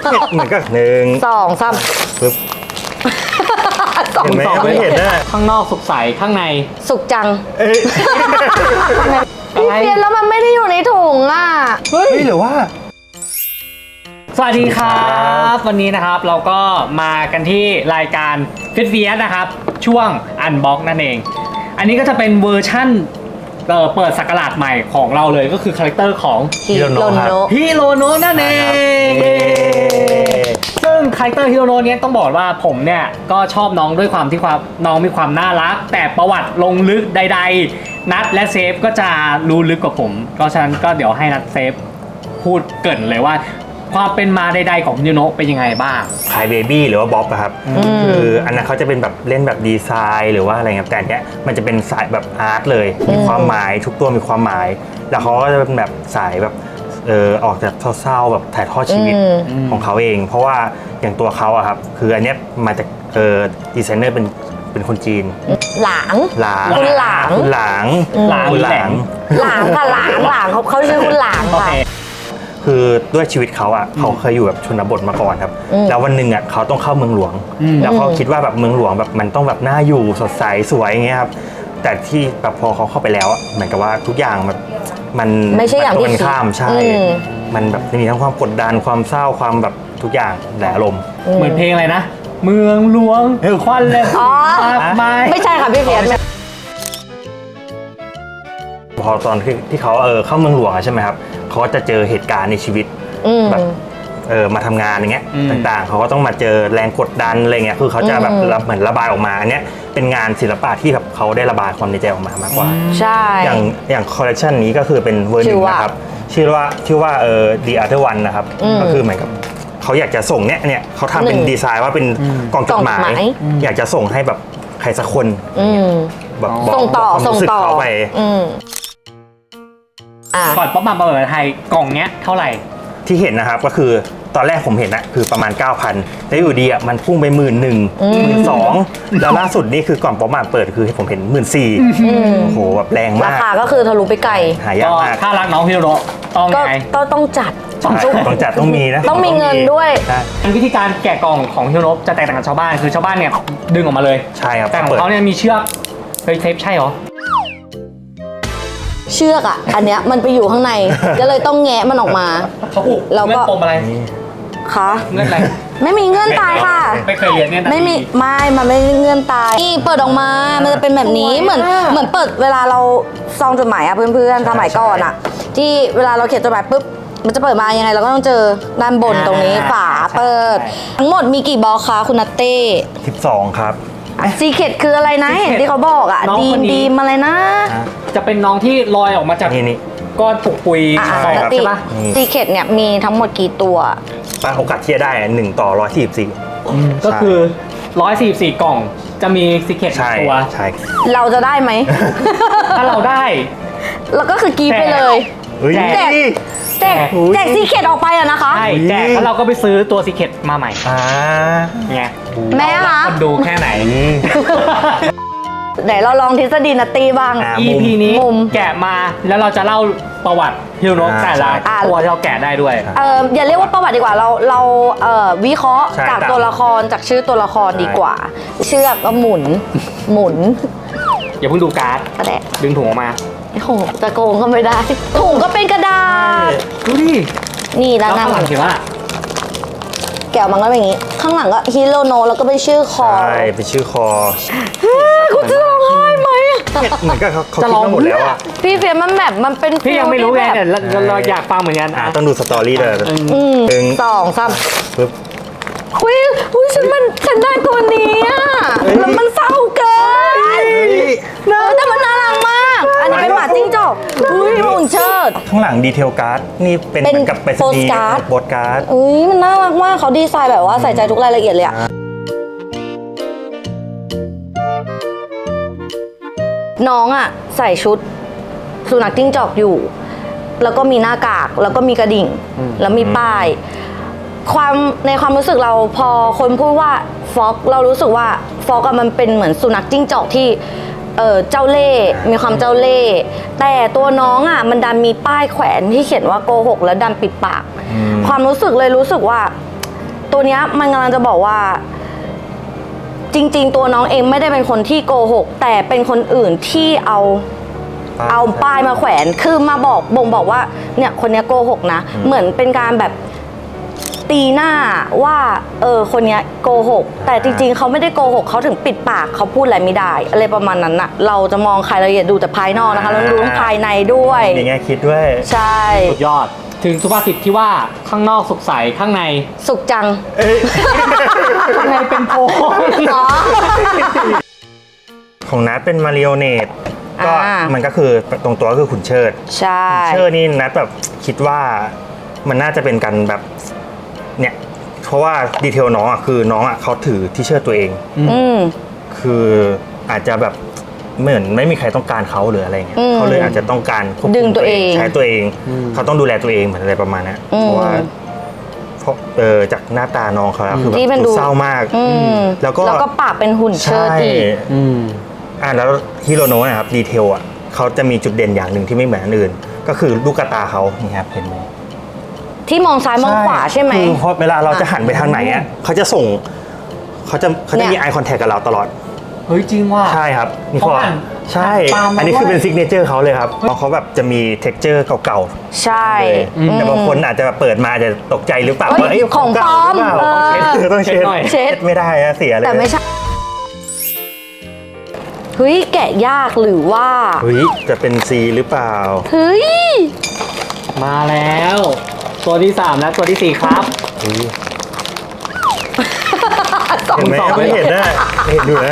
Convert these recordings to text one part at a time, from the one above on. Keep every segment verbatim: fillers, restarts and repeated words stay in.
เหมือนกับหนึ่งสองสามปึ๊บสองเห็นไหมสองไม่เห็นนะข้างนอกสุกใสข้างในสุกจังเอ้ยพี่เพียนแล้วมันไม่ได้อยู่ในถุงอ่ะเฮ้ยหรือว่าสวัสดีครับ วันนี้นะครับเราก็มากันที่รายการฟิตเฟียสนะครับช่วงอันบ็อกนั่นเอง อันนี้ก็จะเป็นเวอร์ชั่นเอ่อเปิดสักราชใหม่ของเราเลยก็คือคาแรคเตอร์ของฮิโรโนะฮิโรโนะนั่นเองเย้ซึ่งคาแรคเตอร์ฮิโรโนะเนี้ยต้องบอกว่าผมเนี่ยก็ชอบน้องด้วยความที่ความน้องมีความน่ารัก แต่ประวัติลงลึกใดๆนัทและเซฟก็จะรู้ลึกกว่าผมก็ฉะนั้นก็เดี๋ยวให้นัทเซฟพูดเกริ่นเลยว่าความเป็นมาใดๆของฮิโรโนะเป็นยังไงบ้างคายเบบี้หรือว่าบ๊อบอะครับคืออันนั้นเขาจะเป็นแบบเล่นแบบดีไซน์หรือว่าอะไรเงี้ยแต่อันเนี้ยมันจะเป็นสายแบบอาร์ตเลยมีความหมายทุกตัวมีความหมาย แล้วเขาก็จะเป็นแบบสายแบบเออออกจากเศร้าๆแบบถ่ายทอดชีวิตอืมของเขาเอง เพราะว่าอย่างตัวเขาอะครับคืออันเนี้ยมาจากเออดีไซเนอร์เป็นเป็นคนจีนหลางหลางคุณหลางคุณหลางหลางคุณหหลาลาง งหลางค่ะหลางหลางเขาเขาชื่อคุณหลางโอค่ะเคคือด้วยชีวิตเขาอ่ะเขาเคยอยู่แบบชนบทมาก่อนครับอืมแล้ววันหนึ่งอ่ะเขาต้องเข้าเมืองหลวงอืมแล้วเขาคิดว่าแบบเมืองหลวงแบบมันต้องแบบน่าอยู่สดใสสวยอย่างเงี้ยครับแต่ที่แบบพอเขาเข้าไปแล้วอะเหมือนกับว่าทุกอย่างแบบมันไม่ใช่อย่างที่มันตรงกันข้ามใช่อืมมันแบบมีทั้งความกดดันความเศร้าความแบบทุกอย่างหลายอารมณ์เหมือนเพลงอะไรนะ เมืองหลวงควันเลยอ๋อมากมายไม่ใช่ค่ะพี่เพียนพอตอนที่ที่เขาเออเข้าเมืองหลวงอะใช่ไหมครับเขาก็จะเจอเหตุการณ์ในชีวิตอืมแบบเออมาทำงานอย่างเงี้ยอืมต่างๆเขาก็ต้องมาเจอแรงกดดันอะไรเงี้ยคือเขาจะแบบอืมรับเหมือนระบายออกมาอันเนี้ยเป็นงานศิลปะที่แบบเขาได้ระบายความในใจออกมามากกว่าใช่อย่างอย่างคอลเลคชันนี้ก็คือเป็นเวอร์หชื่นึ่องว่านะครับชื่อว่าชื่อว่าเออ The Other One นะครับอืมก็คือเหมือนกับเขาอยากจะส่งเนี้ยเนี่ยเขาทำเป็นหนึ่งดีไซน์ว่าเป็นกล่องจดหมายกล่องจดหมายอยากจะส่งให้แบบใครสักคนอืมแบบบอกส่งต่อความส่งรู้สึกต่อเขาไปอืมอ่ะก่อนป๊อปมาประเมินไทยกล่องเนี้ยเท่าไหร่ที่เห็นนะครับก็คือตอนแรกผมเห็นนะคือประมาณ เก้าพัน แล้วอยู่ดีอ่ะมันพุ่งไปหมื่นหนึ่งหมื่นสองแล้วล่าสุดนี่คือก่อนป๊อปมาเปิดคือผมเห็นหมื่นสี่โอ้โหแบบแรงรามากคาก็คือทะลุไปไกลหายากก็มากถ้ารักน้องฮิโรโนะต้องก็ไงก็ต้องจัดใช่ต้องจัดต้องมีนะต้องมีเงินด้วยใช่วิธีการแกะกล่องของฮิโรโนะจะแตกต่างจากชาวบ้านคือชาวบ้านเนี่ยดึงออกมาเลยใช่ครับแต่ของเขาเนี่ยมีเชือกเฮ้ยเทปใช่เหรอเชือกอ่ะ อันเนี้ยมันไปอยู่ข้างใน ก็เลยต้องแงะมันออกมาเขาผูกแล้วก็เงื่อนปมอะไรคะเงื่อนอะไรไม่มีเงื่อนตายค่ะไม่เคยเรียนเนี่ยนะไม่มีไม่มันไม่เงื่อนตายนี่เปิดออกมา มันจะเป็นแบบนี้เหมือนเหมือนเปิดเวลาเราซองจดหมายอะเพื่อนๆสมัยก่อนอะที่เวลาเราเขียนจดหมายปุ๊บมันจะเปิดมายังไงเราก็ต้องเจอด้านบนตรงนี้ฝาเปิด ทั้งหมดมีกี่บล็อกคะคุณนัตเต้สิบสองครับซีเคดคืออะไรนะเห็นที่เขาบอกอะดีมดีมอะไรนะจะเป็นน้องที่ลอยออกมาจากนี่นี่ก้อนปุกปุยอ่ะของนัตใช่ตี้ปะซีเคดเนี่ยมีทั้งหมดกี่ตัวป้าโอกาสที่จะได้หนึ่งต่อร้อยสี่สิบสี่ก็คือร้อยสี่สิบสี่กล่องจะมีซิกเก็ตใช่ตัวใช่เราจะได้ไหมถ้าเราได้แล้วก็คือกรีดไปเลยเฮ้ยแจกแจกแจกซีเคดออกไปอะนะคะใช่แจกแล้วเราก็ไปซื้อตัวซิกเก็ตมาใหม่อ่าไงแม่คะคนดูแค่ไหนนี่ไหนเราลองทฤษฎีนัตตี้บ้างอ่ะอี พี นี้มุมแกะมาแล้วเราจะเล่าประวัติฮิโรโนะอ่าแต่ละใช่ตัวที่เราแกะได้ด้วยเอออย่าเรียกว่าประวัติดีกว่าเราเราเอ่อวิเคราะห์ใช่จากตามตัวละครจากชื่อตัวละครใช่ดีกว่า เชือกก็หมุน หมุนอย่าเพิ่งดูการ์ดกระแดะดึงถุงออกมาโอ้โหจะโกงก็ไม่ได้ถุงก็เป็นกระดาษดูดินี่แล้ด้าวนหน้าข้างหลังเขียนว่าแก้วมันก็เป็นอย่างนี้ ข้างหลังก็ฮิโรโนะแล้วก็เป็นชื่อคอใช่เป็นชื่อคอคุณจะร้องไห้ไหมเหมือนกับเขาเขาจะคิดลองมาหมดแล้วอ่ะพี่เฟียมันแบบมันเป็นพี่ยังไม่รู้ไงฟีลที่แต่แบบเราเราอยากฟังเหมือนกันอ่าอ่ะต้องดูสตอรี่เลยอืมหนึ่งสองสามปึ๊บอุ้ยอุ้ยฉันมันฉันได้ตัวนี้อะแล้วมันเศร้าเกินเออแต่มันน่ารักมาก อันนี้เป็นหมาจิ้งจอกอุ้ยหุ่นเชิดข้างหลังดีเทลการ์ดนี่เป็นเป็นเหมือนกับไปรษณีย์ postcard โปสการ์ดอุ้ยมันน่ารักมากเขาดีไซน์แบบว่าใส่ใจทุกรายละเอียดเลยอะน้องอะใส่ชุดสุนัขจิ้งจอกอยู่ แล้วก็มีหน้ากากแล้วก็มีกระดิ่ง แล้วมีป้าย ความในความรู้สึกเราพอคนพูดว่าฟ็อกเรารู้สึกว่าฟ็อกมันเป็นเหมือนสุนัขจิ้งจอกที่เออเจ้าเล่ห์มีความเจ้าเล่ห์แต่ตัวน้องอ่ะมันดันมีป้ายแขวนที่เขียนว่าโกหกแล้วดันปิดปาก ความรู้สึกเลยรู้สึกว่าตัวเนี้ยมันกำลังจะบอกว่าจริงๆ ตัวน้องเองไม่ได้เป็นคนที่โกหกแต่เป็นคนอื่นที่เอาเอาป้ายมาแขวนคือมาบอกบ่งบอกว่าเนี่ยคนเนี้ยโกหกนะเหมือนเป็นการแบบตีหน้าว่าเออคนเนี้ยโกหกแต่จริงๆเขาไม่ได้โกหกเขาถึงปิดปากเขาพูดอะไรไม่ได้อะไรประมาณนั้นน่ะเราจะมองใครเราอย่าดูแต่ภายนอกนะคะเราดูภายในด้วยมีแง่คิดด้วยใช่สุดยอดถึงสุภาษิตที่ว่าข้างนอกสุขใสข้างในสุขจังข้างในเป็นโพงอ๋อของนัทเป็นมาริโอเนตก็อ่ามัมันก็คือตรงตัวก็คือขุนเชิดใช่ขุนเชิดนี่นัทแบบคิดว่ามันน่าจะเป็นการแบบเนี่ยเพราะว่าดีเทลน้องอ่ะคือน้องอ่ะเขาถือที่เชิดตัวเองอืมคืออาจจะแบบเหมือนไม่มีใครต้องการเขาหรืออะไรเงี้ยอืมเขาเลยอาจจะต้องการควบคุมดึงตัวเองใช้ตัวเอง เขาต้องดูแลตัวเองเหมือนอะไรประมาณนั้นอืมเพราะว่าเพราะเออจากหน้าตาน้องเขาแล้วคือแบบที่มันดูดูเศร้ามากอืมแล้วก็แล้วก็ปากเป็นหุ่นเชิดใช่อีกอืมอ่าแล้วฮิโรโนะนะครับดีเทลอ่ะเขาจะมีจุดเด่นอย่างหนึ่งที่ไม่เหมือนอันอื่น ก็คือลูกตาเขานี่ครับเห็นไหมที่มองซ้ายมองขวาใช่ไหมคือพอเวลาเราจะหันไปทางไหนอ่ะเขาจะส่งเขาจะเขาจะเนี่ยมี eye contact กับเราตลอดเฮ้ยจริงว่ะใช่ครับนี่เขาเขาหันใช่หันตามมาอันนี้คือด้วยเป็นซิกเนเจอร์เขาเลยครับเพราะเขาแบบจะมีเท็กเจอร์เก่าใช่ๆแต่บางคนอาจจะแบบเปิดมาอาจจะตกใจหรือเปล่าเฮ้ยว่าเอ้ยของปลอมเก่าหรือเปล่าเออต้องเช็ดต้องเช็ดเช็ดหน่อยเช็ดไม่ได้อะเสียเลยแต่ไม่ใช่เฮ้ยแกะยากหรือว่าเฮ้ยจะเป็นซีหรือเปล่าเฮ้ยมาแล้ว ตัวที่สามและตัวที่สี่ครับเฮ้ยสองเห็นไหมสองไม่เห็นนะเห็นอยู่นะ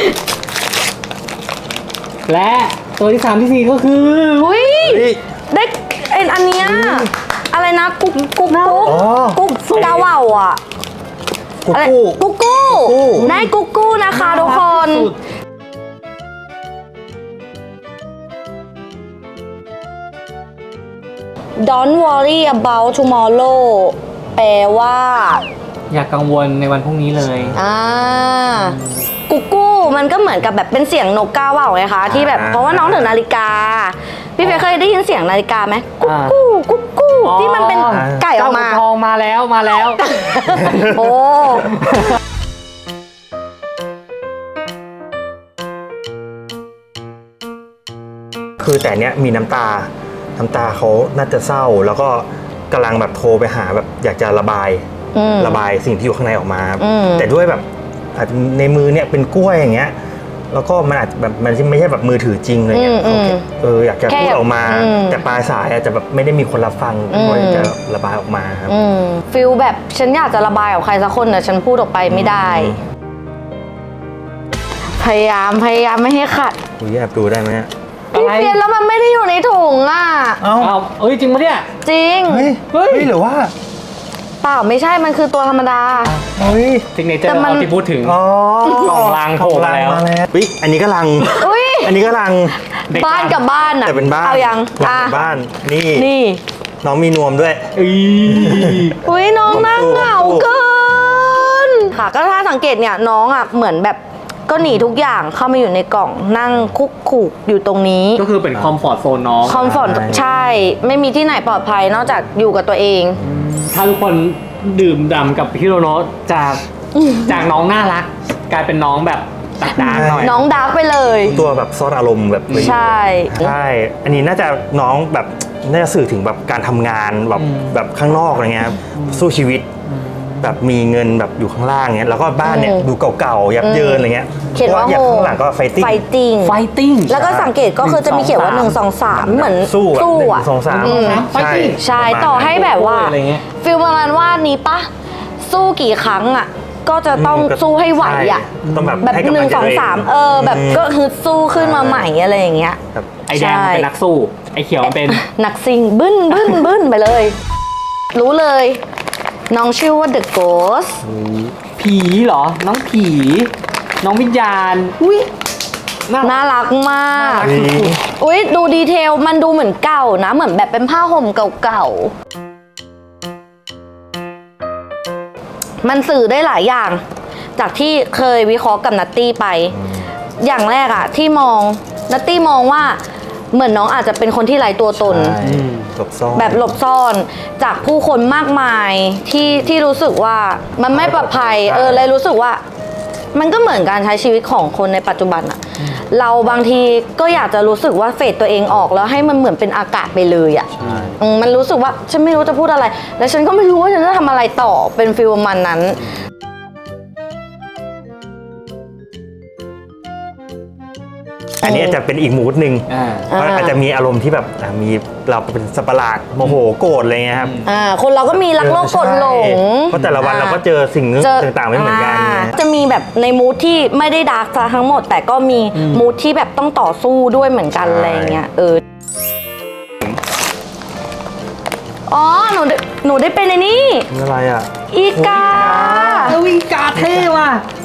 และตัวที่สามที่สี่ก็คือเฮ้ยเฮ้ยได้เอ็นอันเนี้ยอะไรนะกุ๊กกุ๊กกุ๊กอ๋อกุ๊กกาว่าวอ่ะกุ๊กอะไรกู้กุ๊กกู้กุ๊กกู้ได้กุ๊กกู้นะคะทุกคนสุด Don't worry about tomorrow แปลว่าอย่ากังวลในวันพรุ่งนี้เลยอ่ากุ๊กกู้มันก็เหมือนกับแบบเป็นเสียงนกกาว่าวไงคะที่แบบเพราะว่าน้องถึงนาฬิกา พี่เฟยเคยได้ยินเสียงนาฬิกาไหมกุ๊กกู้กุ๊กกู้ที่มันเป็นไก่ออกมาเจ้ขุนทองมาแล้วมาแล้วโอ้คือแต่เนี้ยมีน้ำตา น้ำตาเขาน่าจะเศร้า แล้วก็กำลังแบบโทรไปหาแบบอยากจะระบายอืมระบายสิ่งที่อยู่ข้างในออกมาอืมแต่ด้วยแบบอาจจะในมือเนี่ยเป็นกล้วยอย่างเงี้ย แล้วก็มันอาจจะแบบมันไม่ใช่แบบมือถือจริงเลยเนี่ยอืมเขาแค่เอออยากจะแค่พูดออกมาอืมแต่ปลายสายอาจจะแบบไม่ได้มีคนรับฟังอืมก็อยากจะระบายออกมาครับอืมฟิลแบบฉันอยากจะระบายกับใครสักคนแต่ฉันพูดออกไปไม่ได้ พยายามพยายามไม่ให้ขัดอุ้ยแอบดูได้ไหมเนี่ยพี่เฟียนแล้วมันไม่ได้อยู่ในถุงอ่ะเอ้าเอาเอ้ยจริงปะเนี่ยจริงเฮ้ยเฮ้เฮ้ยยหรือว่าเปล่าไม่ใช่ มันคือตัวธรรมดาเฮ้ยซิกเนเจอแต่ร์มันเราที่พูดถึงอ๋อกล่องลังโผล่มาแล้วเฮ้ยอันนี้ก็ลังอุ้ยอันนี้ก็ลังเด็กบ้านกับบ้านอ่ะแต่เป็นบ้านเอายังหลัอ่ะงบ้านนี่นี่น้องมีนวมด้วยอีอุ้ยน้องผมนั่งสู้เหงาผมสู้เกิน ค่ะ ก็ถ้าสังเกตเนี่ยน้องอ่ะเหมือนแบบก็หนีทุกอย่างเข้ามาอยู่ในกล่องนั่งคุกขู่อยู่ตรงนี้ก็คือเป็นคอมฟอร์ตโซนน้องคอมฟอร์ตใช่ใช่ ไม่มีที่ไหนปลอดภัยนอกจากอยู่กับตัวเองถ้าทุกคนดื่มด่ำกับฮิโรโนะจากจากน้องน่ารัก กลายเป็นน้องแบบตักดาร์กหน่อยน้องดาร์กไปเลยตัวแบบซ่อนอารมณ์แบบใช่ใช่ อันนี้น่าจะน้องแบบน่าจะสื่อถึงแบบการทำงานแบบอืมแบบข้างนอกอะไรเงี้ยครับสู้ชีวิต แบบมีเงินแบบอยู่ข้างล่างเงี้ยแล้วก็บ้านเนี่ยอืมดูเก่าๆยับเยินอะไรเงี้ยเขียนว่าพระอย่างข้างหลังก็ไฟติ้งไฟติ้งไฟติ้งแล้วก็สังเกตก็คือจะมีเขียนว่าหนึ่งสองสามเหมือนสู้แบบสู้หนึ่อ่ะงสองสามอืมใช่ใช่ประมาณต่อให้แบบว่าอะไรเงี้ยฟิลประมาณว่านี้ปะสู้กี่ครั้งอ่ะ ก็จะต้องมก็สู้ให้ไหวอ่ะใช่ต้องแบบแบบให้กำหลันึ่งใจสองตัวสามเออ แบบมก็ฮึดสู้ขึ้นมาใหม่อะไรอย่างเงี้ยแบบไอแดงมันเป็นนักสู้ ไอเขียวมันเป็นนักซิงบึ้นบึ้นบึ้นไปเลย รู้เลย น้องชื่อว่า The Ghost ผีเหรอ น้องผี น้องวิญญาณ อุ้ยน่ารักน่ารักมากเฮ้ยอุ้ยดูดีเทลมันดูเหมือนเก่านะ เหมือนแบบเป็นผ้าห่มเก่าๆ มันสื่อได้หลายอย่าง จากที่เคยวิเคราะห์กับนัตตี้ไป อย่างแรกอะที่มองนัตตี้มองว่าเหมือนน้องอาจจะเป็นคนที่ไร้ตัวตนใช่อืมหลบซ่อนแบบหลบซ่อนจากผู้คนมากมายที่ที่รู้สึกว่ามันไม่ปลอดภัยใช่เออเลยรู้สึกว่า มันก็เหมือนการใช้ชีวิตของคนในปัจจุบันอะเราบางทีก็อยากจะรู้สึกว่าเฟดตัวเองออกแล้วให้มันเหมือนเป็นอากาศไปเลยอะอืมมันรู้สึกว่าฉันไม่รู้จะพูดอะไร แล้วฉันก็ไม่รู้ว่าฉันจะทำอะไรต่อเป็นฟิลประมันนั้นอันนี้อาจจะเป็นอีกมูดหนึ่งอ่าเพราะอาจจะมีอารมณ์ที่แบบอ่ะมีเราเป็นสัตว์ประหลาดโมโหโกรธอะไรเงี้ยครับอ่าคนเราก็มีรักโลภโกรธหลงเพราะแต่ละวันเราก็เจอสิ่งเจอต่างๆไม่เหมือนกันาจะมีแบบในมูทที่ไม่ได้ดาร์กซะทั้งหมด แต่ก็มีมูทที่แบบต้องต่อสู้ด้วยเหมือนกันใช่อะไรเงี้ยเอออ๋อหนูได้หนูได้เป็นในนี่อะไรอ่ะอีกาเออวิกาเท่ว่ะ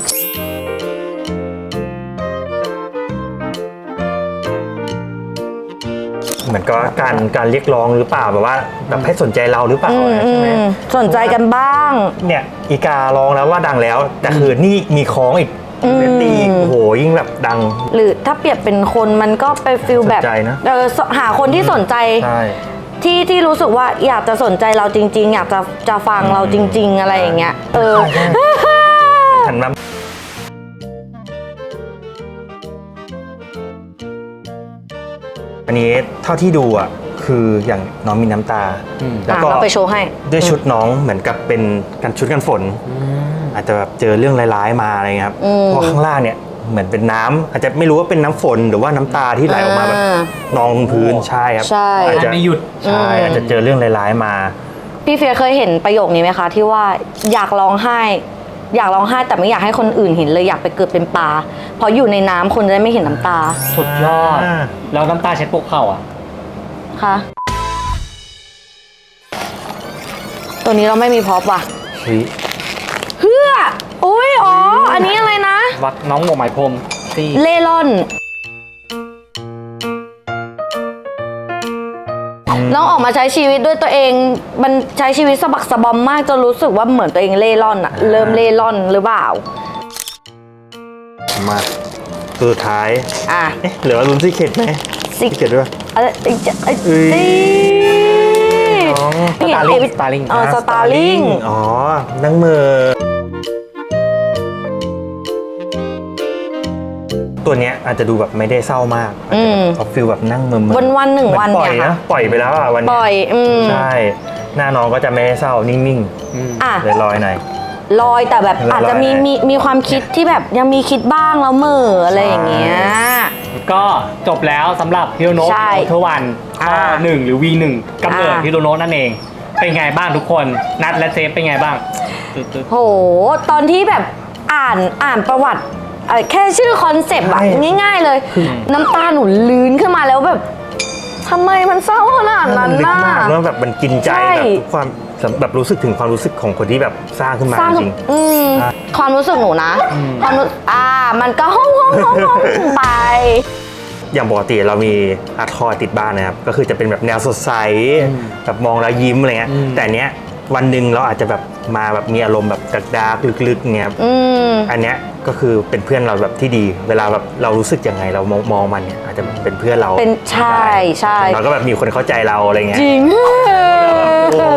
เหมือนก็การการเรียกร้องหรือเปล่าแบบว่าแบบให้สนใจเราหรือเปล่าอืมใช่ไหมอืมสนใจกันบ้างเนี่ยอีการ้องแล้วว่าดังแล้ว แต่คือนี่มีคล้องอีกอืมเรตตี้อีกโอ้โหยิ่งแบบดังหรือถ้าเปรียบเป็นคนมันก็ไปฟิลแบบสนใจนะเออหาคนที่สนใจใช่ที่ที่รู้สึกว่าอยากจะสนใจเราจริง ๆ อยากจะจะฟังเราจริง ๆ อะไรอย่างเงี้ยเออหันมาอันนี้เท่าที่ดูอ่ะคืออย่างน้องมีน้ำตาอืมแล้วอ่ะก็เราไปโชว์ให้ด้วยชุดน้องเหมือนกับเป็นกันชุดกันฝน อาจจะแบบเจอเรื่องร้ายๆมาอะไรเงี้ยครับอืมเพราะข้างล่างเนี่ยเหมือนเป็นน้ำอาจจะไม่รู้ว่าเป็นน้ำฝนหรือว่าน้ำตาที่ไหลออกมาแบบอ่านองพื้นใช่ครับใช่อาจจะไม่หยุดใช่อืมอาจจะเจอเรื่องร้ายๆมาพี่เฟียเคยเห็นประโยคนี้ไหมคะที่ว่าอยากร้องไห้ อยากร้องไห้แต่ไม่อยากให้คนอื่นเห็นเลยอยากไปเกิดเป็นปลาเพราะอยู่ในน้ำคนจะได้ไม่เห็นน้ำตาสุดยอดอ่าแล้วน้ำตาเช็ดพวกเข่าอ่ะค่ะตัวนี้เราไม่มีพร็อพว่ะเฮ้ยเพื่ออุ้ยอ๋ออันนี้อะไรนะวัดน้องหมวกไหมพรมที่เล่ร่อนน้องออกมาใช้ชีวิตด้วยตัวเอง มันใช้ชีวิตสะบักสะบอมมากจนรู้สึกว่าเหมือนตัวเองเล่ร่อนอะเริ่มเล่ร่อนหรือเปล่ามาตัวสุดท้ายอ่ะเอ๊ะเหลือลุ้นซีเค็ดไหมซิซีเค็ดด้วยเอ้ยเอ้ยเอ้ยเอ้ยเอ้ยน้องไม่เห็น Starling ชีวิต Starling เออสตาร์ลิงอ๋อ นั่งมือ ตัวเนี้ยอาจจะดูแบบไม่ได้เศร้ามากอาจจะแบบเอาฟิลแบบนั่งมือวันวันๆหนึ่งเหมืวัอน นปล่อยเนี่ยนะค่ะปล่อยไปแล้วอ่ะวันปเนี้ล่อยยอืมใช่ หน้าน้องก็จะไม่ได้เศร้านิ่งอ่ะๆเลยลอยๆหน่อยลอยแต่แบบลอยๆอาจจะมีมีมีความคิดที่แบบยังมีคิดบ้างแล้วเหมื่ออะไรอย่างเงี้ยก็จบแล้วสำหรับฮิโรโนะใช่โอเทวันข้ออ่าหนึ่งหรือ วี หนึ่งกำเนิดอ่าฮิโรโนะนั่นเอง เป็นไงบ้างทุกคนนัดและเซฟเป็นไงบ้างตึ๊ดๆโห ตอนที่แบบอ่านอ่านประวัติเอ่อแค่ชื่อคอนเซปต์อะใช่ง่ายๆเลย น้ำตาหนูลื้นขึ้นมาแล้วแบบทำไมมันเศร้าขนาดนั้นลึกน่ะมากแล้วแบบมันกินใจใช่แบบทุกความแบบรู้สึกถึงความรู้สึกของคนที่แบบสร้างขึ้นมาสร้างจริงอืมอ่ะความรู้สึกหนูนะ ความรู้อ่า มันก็ห้องห้องห้องห้องไปอย่างปกติเรามีอาร์ตทอยติดบ้านนะครับ ก็คือจะเป็นแบบแนวสดใสแบบมองแล้วยิ้มอะไรเงี้ยอืมแต่อันเนี้ยวันหนึ่งเราอาจจะแบบมาแบบมีอารมณ์แบบดาร์กๆลึกๆเงี้ยครับอืมอันเนี้ยก็คือเป็นเพื่อนเราแบบที่ดี เวลาแบบเรารู้สึกยังไงเรามองมองมันเนี่ยอาจจะแบบเป็นเพื่อนเราเป็นใช่ใช่เราก็แบบมีคนเข้าใจเราอะไรเงี้ยจริงโอ้โห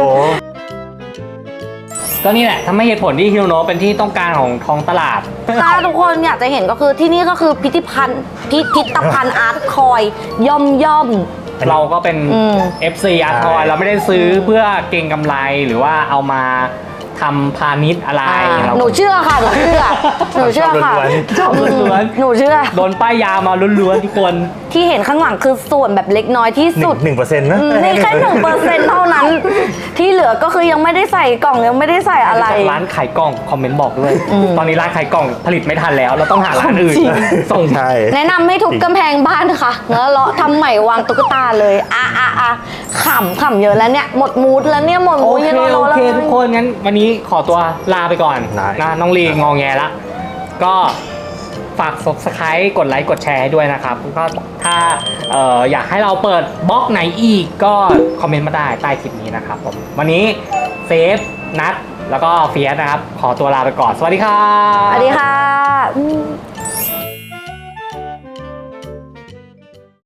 ก็นี่แหละทำให้เหตุผลที่ฮิโรโนะเป็นที่ต้องการของท้องตลาดถ้าทุกคนอยากจะเห็นก็คือที่นี่ก็คือพิพิธภัณฑ์พิพิธภัณฑ์อาร์ตคอยย่อมย่อมเราก็เป็นอืมเอฟ ซี อาร์ทอยเราไม่ได้ซื้อเพื่อเก็งกำไรหรือว่าเอามาทำพาณิชย์อะไรอ่าเราหนูเชื่อค่ะ หนูเชื่อ หนูเชื่อค่ะชอบล้วนหนูเชื่อโดนป้ายยามาล้วนๆทุกคนที่เห็นข้างหลังคือส่วนแบบเล็กน้อยที่หนึ่สุงดหนึ่งเปอร์เซ็นต์นะอืมนี่แค่หนึ่งเปอร์เซ็นต์เท่านั้น ที่เหลือก็คือยังไม่ได้ใส่กล่องยังไม่ได้ใส่อะไรจากร้านขายกล่องคอมเมนต์บอกด้วยอืมตอนนี้ร้านขายกล่องผลิตไม่ทันแล้ว เราต้องหาร้านอื่นจริงส่งใช่แนะนำให้ทุบกำแพงบ้านค่ะแล้วเลาะทำใหม่วางตุ๊กตาเลยอ่ะอ่ะอ่ะขำขำเยอะแล้วเนี่ย หมดมูดแล้วเนี่ยหมดโอมูดเคยังรโอแล้วเคทุกคนงั้นวันนี้ขอตัวลาไปก่อนได้นะน้องลีงอแงละก็ฝาก Subscribe กดไลค์กดแชร์ให้ด้วยนะครับก็ถ้าเอ่ออยากให้เราเปิดบล็อกไหนอีกก็คอมเมนต์มาได้ใต้คลิปนี้นะครับผมวันนี้เซฟนัทแล้วก็เฟียสนะครับ ขอตัวลาไปก่อน สวัสดีครับสวัสดีค่ะอืม